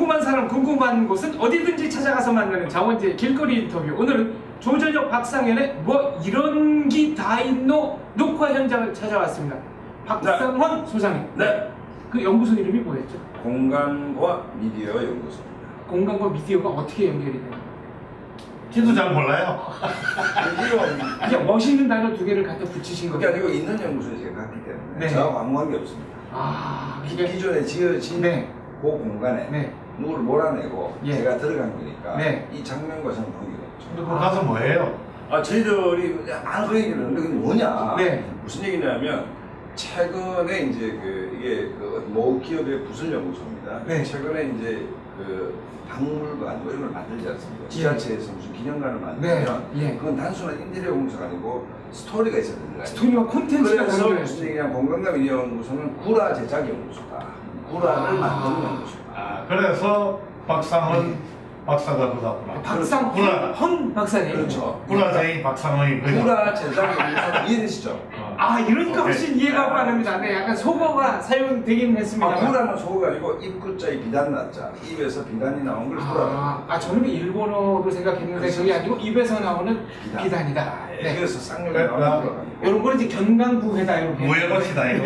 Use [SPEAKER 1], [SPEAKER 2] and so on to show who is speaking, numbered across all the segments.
[SPEAKER 1] 궁금한 사람 궁금한 곳은 어디든지 찾아가서 만나는 장원재 길거리 인터뷰. 오늘은 조전혁 박상현의 뭐 이런 기 다 있노 녹화 현장을 찾아왔습니다. 박상헌 소장님.
[SPEAKER 2] 네.
[SPEAKER 1] 그 연구소 이름이 뭐였죠?
[SPEAKER 2] 공간과 미디어 연구소입니다.
[SPEAKER 1] 공간과 미디어가 어떻게 연결이 되나요?
[SPEAKER 3] 저도 잘 몰라요.
[SPEAKER 1] 그냥 멋있는 단어 두 개를 갖다 붙이신
[SPEAKER 2] 그게
[SPEAKER 1] 거예요.
[SPEAKER 2] 아니고 있는 연구소에 제가 갔기 때문에
[SPEAKER 1] 네.
[SPEAKER 2] 저하고 아무 관계 없습니다.
[SPEAKER 1] 아,
[SPEAKER 2] 기존에 지어진
[SPEAKER 1] 네.
[SPEAKER 2] 그 공간에
[SPEAKER 1] 네.
[SPEAKER 2] 누구를 몰아내고
[SPEAKER 1] 예.
[SPEAKER 2] 제가 들어간 거니까
[SPEAKER 1] 네.
[SPEAKER 2] 이 장면과 저는 관계가 없죠.
[SPEAKER 3] 근데 그 가서 뭐 해요?
[SPEAKER 2] 저희들이 많은 얘기를 하는데 그게 뭐냐?
[SPEAKER 1] 네.
[SPEAKER 2] 무슨 얘기냐면 최근에 이제 이게 모 기업의 부설 연구소입니다.
[SPEAKER 1] 네.
[SPEAKER 2] 최근에 이제 박물관 뭐 이런 걸 만들지 않습니까? 지자체에서 무슨 기념관을 만들면
[SPEAKER 1] 네. 예.
[SPEAKER 2] 그건 단순한 인테리어 공사가 아니고 스토리가 있어야 된다.
[SPEAKER 1] 스토리와 콘텐츠가
[SPEAKER 2] 그래서
[SPEAKER 1] 연결해요.
[SPEAKER 2] 무슨 얘기냐? 공간과 미디어 연구소는 구라 제작 연구소다. 구라를 만드는 연구소다.
[SPEAKER 3] 아, 그래서 박상헌 박사가 그거구나.
[SPEAKER 1] 박상헌 박사님.
[SPEAKER 2] 그렇죠.
[SPEAKER 3] 구라쟁이 박상헌이
[SPEAKER 2] 구라 제작 연구소 이해되시죠?
[SPEAKER 1] 아, 이러니까 훨씬 이해가 빠릅니다. 네, 약간 속어가 사용되긴 했습니다.
[SPEAKER 2] 구라는 속어가 아니고 입구자에 비단 났자. 입에서 비단이 나온 걸 구라.
[SPEAKER 1] 저는 일본어로 생각했는데 그게 아니고 입에서 나오는 비단이다. 네.
[SPEAKER 2] 그래서 쌍욕이 나오는 거예요.
[SPEAKER 1] 이런 거는 이제 견강부회다 이렇게.
[SPEAKER 3] 무해것이다 이거.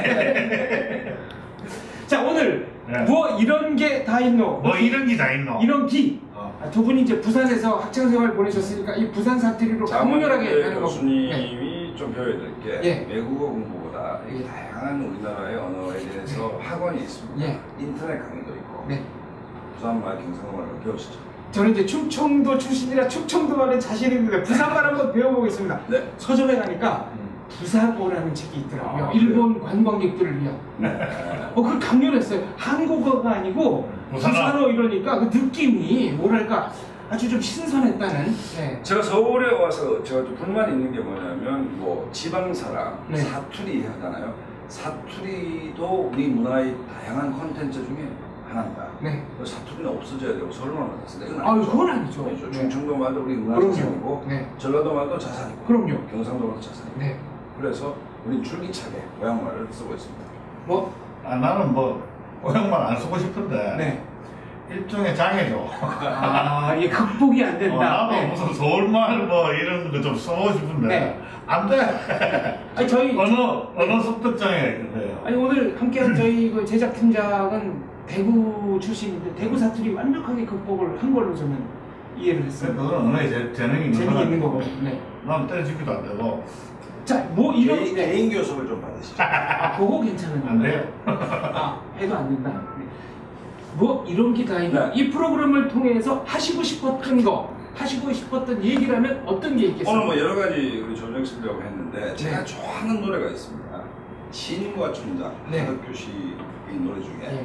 [SPEAKER 1] 자, 오늘
[SPEAKER 3] 네.
[SPEAKER 1] 뭐 이런 게 다 있노?
[SPEAKER 3] 뭐 이런 게 다 있노?
[SPEAKER 1] 이런 기. 두 분이 이제 부산에서 학창생활 보내셨으니까 이 부산 사투리로 강렬하게 하는 거고.
[SPEAKER 2] 교수님이 좀 배워야 될 게
[SPEAKER 1] 예.
[SPEAKER 2] 외국어 공부보다 이 다양한 우리나라의 언어에 대해서 학원이 있습니다.
[SPEAKER 1] 예.
[SPEAKER 2] 인터넷 강의도 있고
[SPEAKER 1] 네.
[SPEAKER 2] 부산말, 경상도말을 배우시죠.
[SPEAKER 1] 저는 이제 충청도 출신이라 충청도 말에 자신 있는데 부산말 한번 배워보겠습니다.
[SPEAKER 2] 네.
[SPEAKER 1] 서점에 가니까 부사고라는 책이 있더라고요.
[SPEAKER 2] 아,
[SPEAKER 1] 일본 관광객들을 위한. 그걸 강렬했어요. 한국어가 아니고 부산어 이러니까 그 느낌이 뭐랄까 아주 좀 신선했다는. 네.
[SPEAKER 2] 제가 서울에 와서 제가 좀 불만이 있는 게 뭐냐면 뭐 지방 사람
[SPEAKER 1] 네.
[SPEAKER 2] 사투리 하잖아요. 사투리도 우리 문화의 다양한 콘텐츠 중에 하나입니다.
[SPEAKER 1] 네.
[SPEAKER 2] 사투리는 없어져야 되고 서울만 왔습니다. 이건
[SPEAKER 1] 아유,
[SPEAKER 2] 아니죠.
[SPEAKER 1] 그건 아니죠.
[SPEAKER 2] 아니죠.
[SPEAKER 1] 네.
[SPEAKER 2] 충청도 말도 우리 문화
[SPEAKER 1] 그럼요.
[SPEAKER 2] 자산이고
[SPEAKER 1] 네.
[SPEAKER 2] 전라도 말도 자산이고
[SPEAKER 1] 그럼요.
[SPEAKER 2] 경상도 말도 자산이고
[SPEAKER 1] 네.
[SPEAKER 2] 그래서 우리 줄기차게 고향말을 쓰고 있습니다.
[SPEAKER 1] 뭐?
[SPEAKER 3] 나는 뭐 고향말 안 쓰고 싶은데
[SPEAKER 1] 네.
[SPEAKER 3] 일종의 장애죠.
[SPEAKER 1] 이게 극복이 안 된다.
[SPEAKER 3] 나도
[SPEAKER 1] 네.
[SPEAKER 3] 무슨 서울말 뭐 이런 거 좀 써보고 싶은데
[SPEAKER 1] 네.
[SPEAKER 3] 안 돼.
[SPEAKER 1] 아니, 저희
[SPEAKER 3] 언어 습득장애가 있는데요.
[SPEAKER 1] 아니, 오늘 함께한 저희 그 제작팀장은 대구 출신인데 대구 사투리 완벽하게 극복을 한 걸로 저는 이해를 했어요.
[SPEAKER 3] 그건 언어에 재능이 있는
[SPEAKER 1] 재능이 있는 거고.
[SPEAKER 3] 거고.
[SPEAKER 1] 네.
[SPEAKER 3] 난 때려주기도 안 되고.
[SPEAKER 1] 자, 뭐 이런
[SPEAKER 2] 개인 교섭을 좀 받으시죠.
[SPEAKER 1] 그거 괜찮은
[SPEAKER 3] 안 돼요.
[SPEAKER 1] 해도 안 된다. 뭐 이런 게 다 있나?
[SPEAKER 2] 네.
[SPEAKER 1] 이 프로그램을 통해서 하시고 싶었던 거, 하시고 싶었던 얘기라면 어떤 게 있겠어요?
[SPEAKER 2] 오늘 뭐 여러 가지 우리 조정혁 쓰려고 했는데 제가 좋아하는 노래가 있습니다. 신과 춘장
[SPEAKER 1] 네.
[SPEAKER 2] 하덕규 씨의 노래 중에
[SPEAKER 1] 네.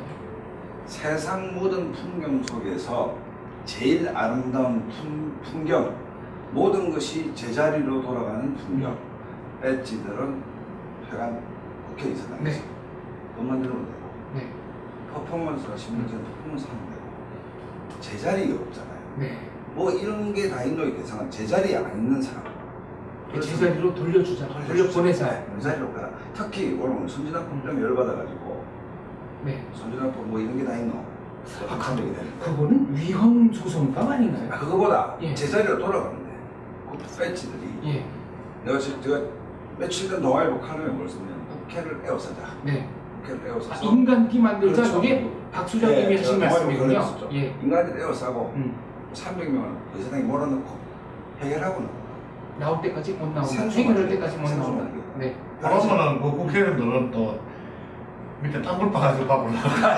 [SPEAKER 2] 세상 모든 풍경 속에서 제일 아름다운 풍경 모든 것이 제자리로 돌아가는 풍경 배지들은 회관 국회의사당에서
[SPEAKER 1] 네.
[SPEAKER 2] 돈만 들으면 되고
[SPEAKER 1] 네.
[SPEAKER 2] 퍼포먼스가 심리적인 퍼포먼스 하면 되고 제자리가 없잖아요.
[SPEAKER 1] 네.
[SPEAKER 2] 뭐 이런 게 다 있는 대상은 제자리에 안 있는 사람.
[SPEAKER 1] 제자리로 돌려주자. 돌려보내자.
[SPEAKER 2] 제자리로 가라. 특히 오늘 선진화법 좀 열받아가지고
[SPEAKER 1] 네.
[SPEAKER 2] 선진화법 뭐 이런 게 다 있노? 한적이 되는데.
[SPEAKER 1] 그거는 위헌 소송법 아닌가요?
[SPEAKER 2] 그거보다
[SPEAKER 1] 예.
[SPEAKER 2] 제자리로 돌아가는데 그 배지들이
[SPEAKER 1] 예.
[SPEAKER 2] 제가 며칠 전 동아일보 칼럼에 뭘 썼냐면 국회를 에워싸자.
[SPEAKER 1] 네.
[SPEAKER 2] 국회를 에워싸서
[SPEAKER 1] 인간기 만들자.
[SPEAKER 2] 그렇죠.
[SPEAKER 1] 그게 박 수장님이 하신 말씀이군요. 예.
[SPEAKER 2] 인간을 에워싸고 300명을 의사당에 몰아넣고 해결하고
[SPEAKER 1] 나올 때까지 못 나온다.
[SPEAKER 2] 생수
[SPEAKER 1] 해결할
[SPEAKER 2] 마시고,
[SPEAKER 1] 때까지 못
[SPEAKER 2] 생수
[SPEAKER 1] 나온다.
[SPEAKER 2] 마시고.
[SPEAKER 1] 네.
[SPEAKER 3] 그러면은 그 국회의원들은 또 밑에 땅굴 파가지고 밥을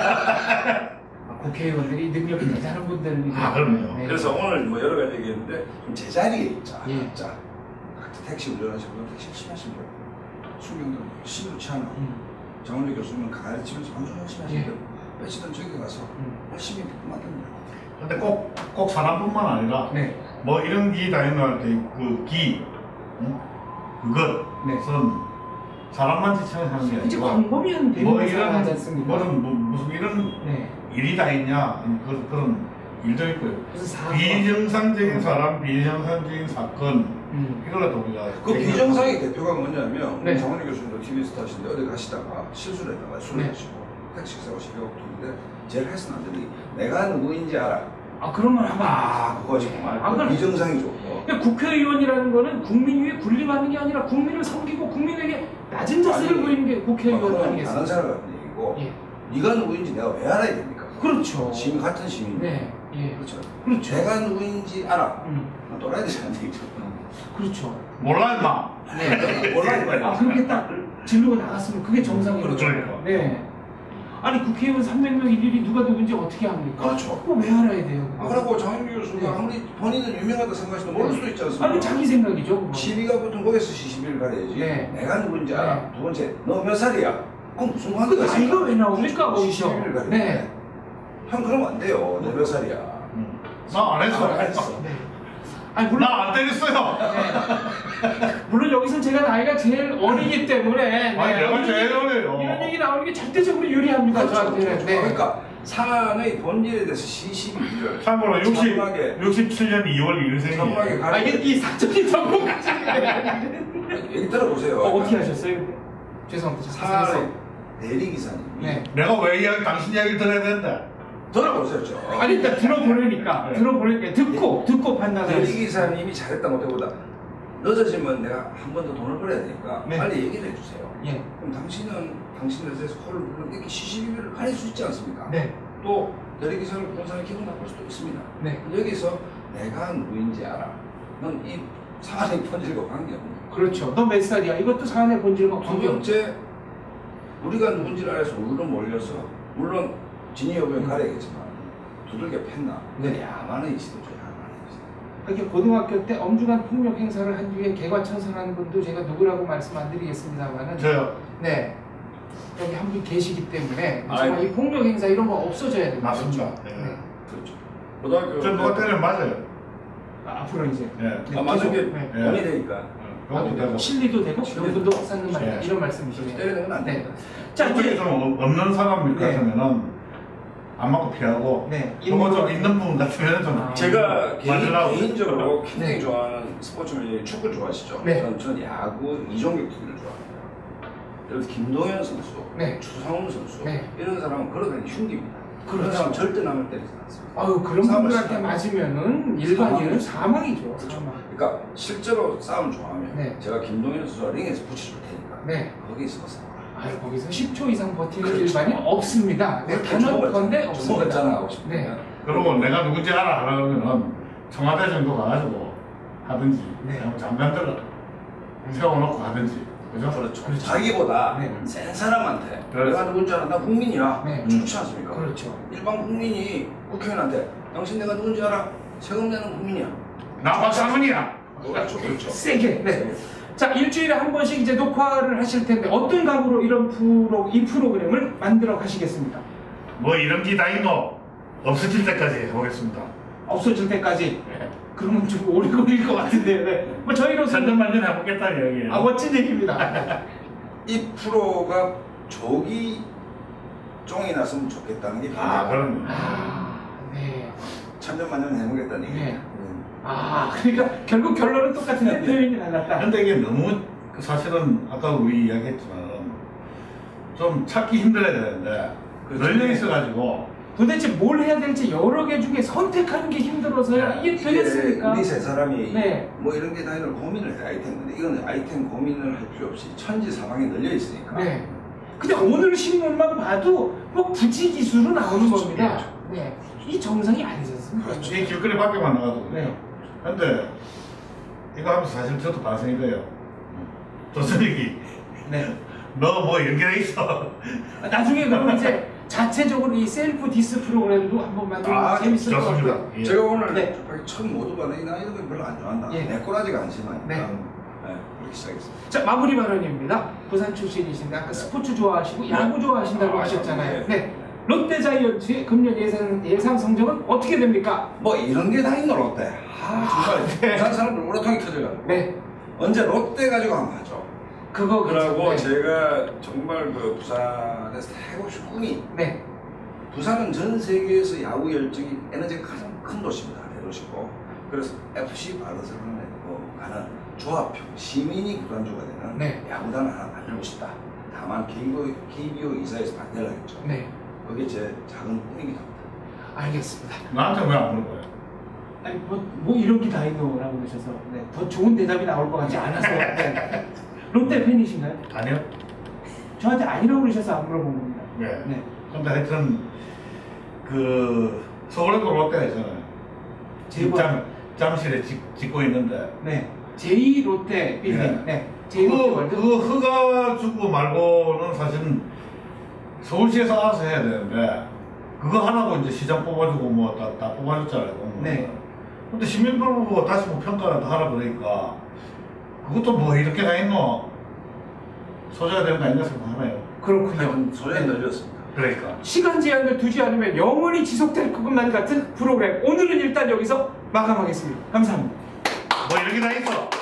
[SPEAKER 1] 국회의원들이 능력이 대단한 분들이.
[SPEAKER 3] 그럼요.
[SPEAKER 1] 네.
[SPEAKER 2] 그래서 오늘 뭐 여러 가지 얘기했는데 좀 제자리에 있자.
[SPEAKER 1] 예.
[SPEAKER 2] 자, 택시 운전하시는 분 택시 열심히 하시는 분, 수명도 심루치 않아. 장원재 교수님은 가르치면서 완전 열심히 하시는 분, 며칠은 저기 가서 열심히 만듭니다.
[SPEAKER 3] 근데 꼭 사람뿐만 아니라
[SPEAKER 1] 네.
[SPEAKER 3] 뭐 이런 기 다이노할 때그 기, 그것,
[SPEAKER 1] 네.
[SPEAKER 3] 무슨 사람만 지칭하는 게
[SPEAKER 1] 이제
[SPEAKER 3] 아니고
[SPEAKER 1] 광범위한
[SPEAKER 3] 뭐
[SPEAKER 1] 대목을
[SPEAKER 3] 이런
[SPEAKER 1] 하지 않습니까?
[SPEAKER 3] 무슨 이런
[SPEAKER 1] 네.
[SPEAKER 3] 일이 다 있냐 그런 일도 있고요.
[SPEAKER 1] 무슨 사건.
[SPEAKER 3] 비정상적인 사람, 비정상적인 사건 이거라도 우리가
[SPEAKER 2] 그 비정상의 대표가 뭐냐면
[SPEAKER 1] 네.
[SPEAKER 2] 장원희 교수님도 TV 스타신데 어디 가시다가 실수를 했다가 술을
[SPEAKER 1] 네.
[SPEAKER 2] 마시고 택시 기사가 12억 돈인데 제일 해서는 안 되는 게 내가 누구인지 알아.
[SPEAKER 1] 아 그런 말 하면 안 되죠.
[SPEAKER 2] 그거 정말
[SPEAKER 1] 아, 그건-
[SPEAKER 2] 비정상이죠.
[SPEAKER 1] 그러니까 국회의원이라는 거는 국민 위에 군림하는 게 아니라 국민을 섬기고 국민에게 낮은 자세를
[SPEAKER 2] 아니,
[SPEAKER 1] 보이는 게 국회의원
[SPEAKER 2] 다른
[SPEAKER 1] 아니겠습니까?
[SPEAKER 2] 사람 같은 얘기고
[SPEAKER 1] 예.
[SPEAKER 2] 네가 누구인지 내가 왜 알아야 됩니까?
[SPEAKER 1] 그렇죠.
[SPEAKER 2] 시민 같은 시민.
[SPEAKER 1] 네, 예.
[SPEAKER 2] 그렇죠.
[SPEAKER 1] 그렇죠.
[SPEAKER 2] 내가 누구인지 알아.
[SPEAKER 1] 음,
[SPEAKER 2] 또라이 되는 얘기죠.
[SPEAKER 1] 그렇죠.
[SPEAKER 3] 몰라 임마.
[SPEAKER 1] 네.
[SPEAKER 2] 몰라 이거야.
[SPEAKER 1] 아 그렇게 딱 진로가 나갔으면 그게 정상이죠.
[SPEAKER 3] 그렇죠.
[SPEAKER 1] 네. 아니 국회의원 300명 일일이 누가 누군지 어떻게 합니까?
[SPEAKER 2] 그렇죠.
[SPEAKER 1] 그거 왜 알아야 돼요?
[SPEAKER 2] 그리고 장윤기 교수가
[SPEAKER 1] 네.
[SPEAKER 2] 아무리 본인은 유명하다 생각하시도 모를 수도 있지 않습니까?
[SPEAKER 1] 아니 자기 생각이죠. 그거.
[SPEAKER 2] 시비가 보통 거기서 시비를 가려야지.
[SPEAKER 1] 네.
[SPEAKER 2] 내가 누군지 알아.
[SPEAKER 1] 네.
[SPEAKER 2] 두 번째, 너 몇 살이야? 그럼 무슨
[SPEAKER 1] 그
[SPEAKER 2] 관계가
[SPEAKER 1] 나이가 왜 나옵니까 거기서?
[SPEAKER 2] 시비를 가려.
[SPEAKER 1] 네.
[SPEAKER 2] 형 그러면 안 돼요. 너 몇 살이야?
[SPEAKER 3] 나 안 했어.
[SPEAKER 2] 안 했어.
[SPEAKER 1] 네. 아니 물론
[SPEAKER 3] 나 안 때렸어요.
[SPEAKER 1] 네. 물론 여기서 제가 나이가 제일 어리기 때문에 네.
[SPEAKER 3] 아니 내가 제일 어려요.
[SPEAKER 1] 이런 얘기 나오는 게 절대적으로 유리합니다.
[SPEAKER 2] 그렇죠,
[SPEAKER 1] 저한테는.
[SPEAKER 2] 그렇죠.
[SPEAKER 1] 네.
[SPEAKER 2] 그러니까 사안의 본질에 대해서 시시비비를
[SPEAKER 3] 참고로
[SPEAKER 2] 정확하게
[SPEAKER 3] 67년 2월
[SPEAKER 2] 정확하게
[SPEAKER 3] 1일생이에요.
[SPEAKER 1] 아 이게 이 사적인 정보까지.
[SPEAKER 2] 얘기 들어보세요.
[SPEAKER 1] 어떻게 하셨어요? 죄송합니다.
[SPEAKER 2] 사안의 대리기사님.
[SPEAKER 1] 네.
[SPEAKER 3] 내가 왜 당신 이야기를 들어야 되는데?
[SPEAKER 2] 들어보세요. 저.
[SPEAKER 1] 아니 일단 들어보려니까
[SPEAKER 3] 네.
[SPEAKER 1] 들어보려니까 듣고 판단을.
[SPEAKER 2] 대리기사님이 잘했다 못해보다 늦어지면 내가 한 번 더 돈을 벌어야 되니까
[SPEAKER 1] 네.
[SPEAKER 2] 빨리 얘기를 해주세요.
[SPEAKER 1] 예.
[SPEAKER 2] 그럼 당신은 당신에 대해서 코를 불러 이렇게 시시비비를 가릴 수 있지 않습니까?
[SPEAKER 1] 네.
[SPEAKER 2] 또 대리기사를 본 사람이 기분 나쁠 수도 있습니다.
[SPEAKER 1] 네.
[SPEAKER 2] 여기서 내가 누구인지 알아. 넌 이 사안의 본질과 관계없는.
[SPEAKER 1] 그렇죠. 너 몇 살이야? 이것도 사안의 본질과
[SPEAKER 2] 두
[SPEAKER 1] 관계없죠.
[SPEAKER 2] 번째, 우리가 누군지를 알아서 우르르 몰려서 물론 진위 여부는 가려야겠지만 두들겨 팼나.
[SPEAKER 1] 네.
[SPEAKER 2] 야만의 시도죠. 야만의 시도.
[SPEAKER 1] 이렇게 고등학교 때 엄중한 폭력 행사를 한 뒤에 개과천선한 분도 제가 누구라고 말씀 안 드리겠습니다만은
[SPEAKER 3] 저요.
[SPEAKER 1] 네. 여기 한 분 계시기 때문에 정말
[SPEAKER 2] 아이고.
[SPEAKER 1] 이 폭력 행사 이런 거 없어져야 됩니다.
[SPEAKER 3] 맞습니다.
[SPEAKER 1] 네.
[SPEAKER 3] 네.
[SPEAKER 2] 그렇죠. 고등학교
[SPEAKER 3] 저 누가 때리면 맞아요.
[SPEAKER 1] 앞으로 이제
[SPEAKER 3] 예.
[SPEAKER 1] 네,
[SPEAKER 2] 맞은 게
[SPEAKER 1] 계속, 네.
[SPEAKER 2] 돈이 되니까
[SPEAKER 3] 그것도 되고.
[SPEAKER 1] 실리도 되고 명분도 쌓는 말
[SPEAKER 3] 네.
[SPEAKER 1] 이런 말씀이시죠.
[SPEAKER 2] 때리는 건 안
[SPEAKER 1] 네.
[SPEAKER 2] 됩니다.
[SPEAKER 1] 자
[SPEAKER 3] 어떻게
[SPEAKER 1] 이제
[SPEAKER 3] 좀 없는 사람
[SPEAKER 1] 네.
[SPEAKER 3] 같으면은 안 맞고 피하고
[SPEAKER 1] 네.
[SPEAKER 3] 요거 좀 있는 부분 같으면 좀
[SPEAKER 1] 아.
[SPEAKER 2] 제가
[SPEAKER 3] 맞으려고.
[SPEAKER 2] 개인적으로 굉장히
[SPEAKER 1] 네.
[SPEAKER 2] 좋아하는 스포츠는 축구 좋아하시죠?
[SPEAKER 1] 네.
[SPEAKER 2] 전 야구 이종격 투기를 좋아합니다. 예를 들어 김동현 선수,
[SPEAKER 1] 네.
[SPEAKER 2] 추상훈 선수
[SPEAKER 1] 네.
[SPEAKER 2] 이런 사람은 걸어다니는 흉기입니다. 그런
[SPEAKER 1] 그렇죠.
[SPEAKER 2] 사람 절대 남을 때리지 않습니다.
[SPEAKER 1] 아유 그런
[SPEAKER 2] 싸움을
[SPEAKER 1] 분들한테
[SPEAKER 2] 시작하면
[SPEAKER 1] 맞으면은 일반인은 사망이죠. 사망.
[SPEAKER 2] 그러니까 실제로 싸움 좋아하면
[SPEAKER 1] 네.
[SPEAKER 2] 제가 김동현 선수가 링에서 붙여줄 테니까
[SPEAKER 1] 네.
[SPEAKER 2] 거기서 싸워.
[SPEAKER 1] 아유 거기서 10초 이상 버티는
[SPEAKER 2] 그렇죠.
[SPEAKER 1] 일반이 없습니다. 네, 단언컨대 없습니다.
[SPEAKER 2] 없잖아 하고 싶은데.
[SPEAKER 1] 네.
[SPEAKER 3] 그리고 내가 누군지 알아 하려면은 청와대 정도 가가지고 하든지
[SPEAKER 1] 네.
[SPEAKER 3] 아니면 장관들을 세워놓고 하든지 그죠?
[SPEAKER 2] 그렇죠. 자기보다
[SPEAKER 1] 네.
[SPEAKER 2] 센 사람한테
[SPEAKER 3] 그렇죠.
[SPEAKER 2] 내가 누군지 알아? 나 국민이야.
[SPEAKER 1] 네.
[SPEAKER 2] 좋지 않습니까?
[SPEAKER 1] 그렇죠.
[SPEAKER 2] 일반 국민이 국회의원한테 당신 내가 누군지 알아? 세금 내는 국민이야.
[SPEAKER 3] 나 박상훈이야.
[SPEAKER 2] 그렇죠. 그렇죠.
[SPEAKER 1] 세게. 네. 자 일주일에 한 번씩 이제 녹화를 하실 텐데 어떤 각오로 이 프로그램을 만들어 가시겠습니까?
[SPEAKER 3] 뭐 이런 게 다 있노? 없어질 때까지 해보겠습니다.
[SPEAKER 1] 없어질 때까지. 그러면 좀 오래 걸릴 것 같은데요. 네. 뭐 저희로서
[SPEAKER 3] 천년만년 해보겠다는 얘기예요.
[SPEAKER 1] 멋진 얘기입니다.
[SPEAKER 2] 이 프로가 조기 쫑이 났으면 좋겠다는 게
[SPEAKER 3] 그럼
[SPEAKER 1] 아, 네.
[SPEAKER 2] 천년만년 해보겠다는 얘기.
[SPEAKER 1] 네. 아, 그러니까 결국 결론은 똑같은데 표현이 달랐다.
[SPEAKER 3] 근데 이게 너무 사실은 아까 우리 이야기했지만 좀 찾기 힘들어야 되는데
[SPEAKER 2] 그렇죠.
[SPEAKER 3] 널려 있어가지고
[SPEAKER 1] 도대체 뭘 해야 될지 여러 개 중에 선택하는 게 힘들어서야 이게 되겠습니까?
[SPEAKER 2] 우리 세 사람이
[SPEAKER 1] 네.
[SPEAKER 2] 뭐 이런 게 다 있는 고민을 해야 할 텐데 이건 아이템 고민을 할 필요 없이 천지 사방에 널려 있으니까.
[SPEAKER 1] 네. 근데 오늘 신문만 봐도 뭐 부지 기수로 나오는
[SPEAKER 2] 그렇죠.
[SPEAKER 1] 겁니다.
[SPEAKER 2] 그렇죠.
[SPEAKER 1] 네. 이 정상이 아니지 않습니까?
[SPEAKER 2] 그렇죠.
[SPEAKER 3] 이 길거리 밖에만 나가도
[SPEAKER 1] 네.
[SPEAKER 3] 근데 이거 하면서 사실 저도 반성이 돼요. 조선익이
[SPEAKER 1] 네.
[SPEAKER 3] 너 뭐 연결해 있어.
[SPEAKER 1] 나중에 그럼 이제 자체적으로 이 셀프 디스 프로그램도 한번 만들면 재밌을 것
[SPEAKER 3] 좋습니다.
[SPEAKER 1] 같고요.
[SPEAKER 3] 예.
[SPEAKER 2] 제가 오늘
[SPEAKER 1] 네.
[SPEAKER 2] 처음 모두가 나 이런 거 별로 안 좋아한다.
[SPEAKER 1] 예.
[SPEAKER 2] 내 꼬라지가 안심하니까.
[SPEAKER 1] 네.
[SPEAKER 2] 그렇게 시작했습니다.
[SPEAKER 1] 자 마무리 발언입니다. 부산 출신이신데 아까 스포츠 좋아하시고 야구 좋아하신다고 하셨잖아요. 네. 롯데 자이언츠의 금년 예상 성적은 어떻게 됩니까?
[SPEAKER 2] 뭐 이런 게 다 있노 롯데. 정말
[SPEAKER 1] 네.
[SPEAKER 2] 부산 사람들 오라통이 터져가지고.
[SPEAKER 1] 네.
[SPEAKER 2] 언제 롯데 가지고 한번 하죠.
[SPEAKER 1] 그거
[SPEAKER 2] 그러고
[SPEAKER 1] 네.
[SPEAKER 2] 제가 정말 그 부산에서 해보고 싶은 꿈이
[SPEAKER 1] 네.
[SPEAKER 2] 부산은 전 세계에서 야구 열정이 에너지가 가장 큰 도시입니다. 대도시고 그래서 FC 바르셀로나에 가는 조합형 시민이 구단주가 되는
[SPEAKER 1] 네.
[SPEAKER 2] 야구단을 하나 만들고 싶다. 다만 KBO 이사에서 반대를 하겠죠.
[SPEAKER 1] 네.
[SPEAKER 2] 그게 제 작은 꿈이기도 합니다.
[SPEAKER 1] 알겠습니다.
[SPEAKER 3] 나한테 왜 안 물어봐요?
[SPEAKER 1] 아니 뭐 이런 게 다 있노라고 그러셔서 네, 더 좋은 대답이 나올 것 같지 않아서 네. 롯데 팬이신가요?
[SPEAKER 3] 아니요.
[SPEAKER 1] 저한테 아니라고 그러셔서 안 물어본 겁니다.
[SPEAKER 3] 네.
[SPEAKER 1] 네.
[SPEAKER 3] 근데 하여튼 그 서울에도 롯데가 있잖아요.
[SPEAKER 1] 제과
[SPEAKER 3] 잠실에 짓고 있는데
[SPEAKER 1] 네. 제2 롯데 빌딩. 네. 제2 롯데 월드.
[SPEAKER 3] 그 허가 주고 말고는 사실은 서울시에서 알아서 해야 되는데 그거 하나고 이제 시장 뽑아주고 뭐 다 뽑아줬잖아요.
[SPEAKER 1] 네.
[SPEAKER 3] 근데 시민들 보고 다시 뭐 평가를 다 하라 그러니까 그것도 뭐 이렇게 다 있노? 소재가 되는 거 아닌가 생각하네요.
[SPEAKER 1] 그렇군요.
[SPEAKER 2] 소리가 늘렸습니다.
[SPEAKER 3] 그러니까.
[SPEAKER 1] 시간 제한을 두지 않으면 영원히 지속될 것만 같은 프로그램. 오늘은 일단 여기서 마감하겠습니다. 감사합니다.
[SPEAKER 3] 뭐 이렇게 다 있어.